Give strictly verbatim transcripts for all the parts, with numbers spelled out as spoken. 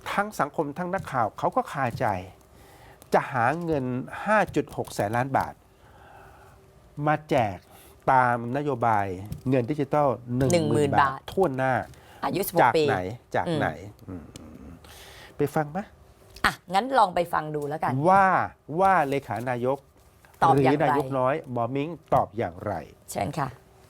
ทั้งสังคมทั้งนักข่าวเขาก็คาใจ จะหาเงิน ห้าจุดหก แสนล้านบาท มาแจกตามนโยบายเงินดิจิทัล หนึ่งหมื่น บาททั่วหน้าอายุสิบหจาก กปีไหนจากไหนอืมไปฟังไหมอ่ะงั้นลองไปฟังดูแล้วกันว่าว่าเลขานายกตอบหรือย่างไรนายกน้อยหมอมิ้งตอบอย่างไรเชิญค่ะ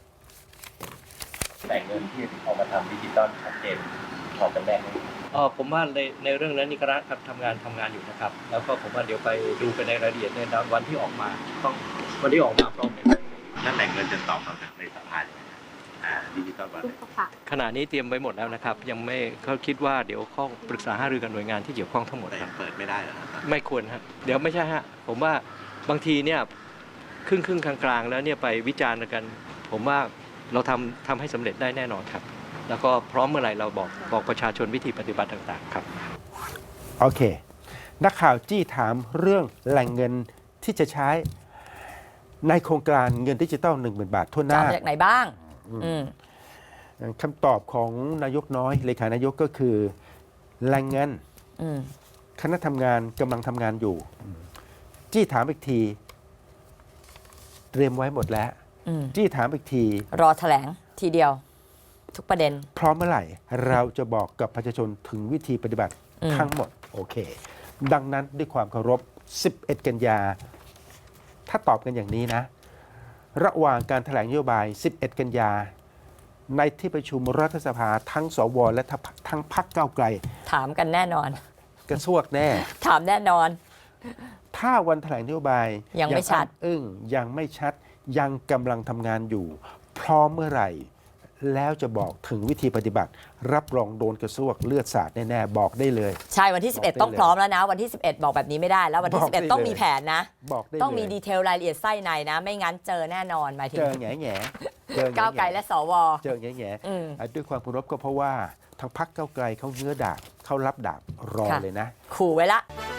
แต่เงินที่เอามาทำดิจิตอลชัดเจนพอกันแน่ไหมเออผมว่าในในเรื่องนั้นนี่คณะทำงานทำงานอยู่นะครับ แล้วก็ผมว่าเดี๋ยวไปดูไปในรายละเอียดในวันที่ออกมาต้องวันที่ออกมาพร้อมกันนั่นแต่เงินจะตอบคำถามในสภาเลยนะอ่าดิจิตอลบาทขณะนี้เตรียมไว้หมดแล้วนะครับ ยังไม่เขาคิดว่าเดี๋ยวข้อปรึกษาหารือกับหน่วยงานที่เกี่ยวข้องทั้งหมดแต่ครับเปิดไม่ได้เหรอครับไม่ควรฮะเดี๋ยวไม่ใช่ฮะผมว่าบางทีเนี่ยครึ่งครึ่งกลางๆแล้วเนี่ยไปวิจารณ์กัน ผมว่าเราทำทำให้สำเร็จได้แน่นอนครับ แล้วก็พร้อมเมื่อไหร่เราบอกบอกประชาชนวิธีปฏิบัติต่างๆครับโอเค นักข่าวจี้ถามเรื่องแหล่งเงินที่จะใช้ในโครงการเงินดิจิตอลหนึ่งหมื่นบาททั่วหจะน้าเอามาจากไหนบ้าง อืมคำตอบของนายกน้อยเลขานายกก็คือแหล่งเงินอืมคณะทำงานกำลังทำงานอยู่ จี้ถามอีกที เตรียมไว้หมดแล้วอืมจี้ถามอีกทีรอแถลงทีเดียว ทุกประเด็นพร้อมเมื่อไหร่ เราจะบอกกับประชาชนถึงวิธีปฏิบัติอืมทั้งหมด โอเค ดังนั้นด้วยความเคารพ สิบเอ็ด กันยา ถ้าตอบกันอย่างนี้นะ ระหว่างการแถลงนโยบาย สิบเอ็ด กันยา ในที่ประชุมรัฐสภาทั้งสวและทั้งพรรคก้าวไกลถามกันแน่นอนกระซวกแน่ถามแน่นอนถ้าวันแถลงนโยบายยังไม่ชัดอ้ำอึ้งยังไม่ชัด ยังกำลังทำงานอยู่ พร้อมเมื่อไหร่ แล้วจะบอกถึงวิธีปฏิบัติ รับรองโดนกระซวกเลือดสาดแน่ๆบอกได้เลยใช่วันที่ สิบเอ็ดบอกได้ต้องพร้อมแล้วนะ วันที่ สิบเอ็ด บอกแบบนี้ไม่ได้ แล้ววันที่บอกสิบเอ็ดได้ต้องเลยมีแผนนะบอกได้ต้องมีเลยดีเทลรายละเอียดไส้ในนะ ไม่งั้นเจอแน่นอนหมายถึงเจอแง่แง่เจอแง่ก้าวไกลและสวเจอแง่แง่อืมอ่ะด้วยความเคารพก็เพราะว่าทางพรรคก้าวไกลเขาเงื้อดาบเขารับดาบรอค่ะเลยนะขู่ไว้ละ